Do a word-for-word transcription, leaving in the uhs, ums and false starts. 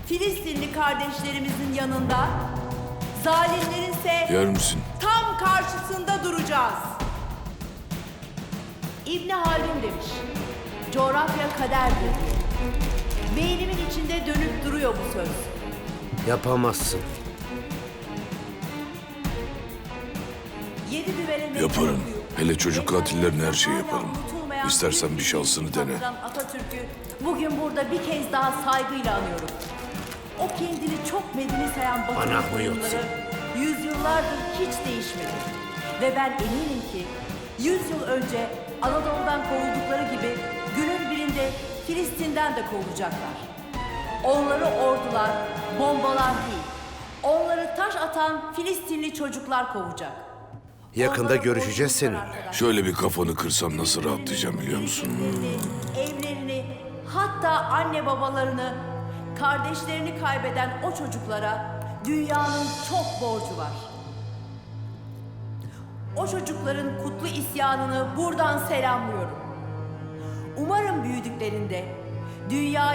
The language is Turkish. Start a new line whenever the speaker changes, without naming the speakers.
Filistinli kardeşlerimizin yanında, zalimlerinse
Yer misin?
tam karşısında duracağız. İbn Haldun demiş, coğrafya kaderdir diye. Beynimin içinde dönüp duruyor bu söz.
Yapamazsın.
Yedi düvele meydan
Yaparım.
okuyup,
Hele çocuk katillerine her şeyi
hala
yaparım.
unutulmayan
İstersen bir
Filistinli
şansını dene.
kaptan Atatürk'ü bugün burada bir kez daha saygıyla anıyorum. O kendini çok medeni sayan
Bana
Batı
huyutsun.
oyunları yüzyıllardır hiç değişmedi. Ve ben eminim ki yüz yıl önce Anadolu'dan kovuldukları gibi günün birinde Filistin'den de kovulacaklar. Onları ordular, bombalar değil, onları taş atan Filistinli çocuklar kovacak.
Yakında
Onları
görüşeceğiz
korkutacak
seninle.
arkadaşlar.
Şöyle bir kafanı kırsam nasıl rahatlayacağım biliyor musun?
Evlerini, evlerini, hatta anne babalarını, kardeşlerini kaybeden o çocuklara dünyanın çok borcu var. O çocukların kutlu isyanını buradan selamlıyorum. Umarım büyüdüklerinde dünya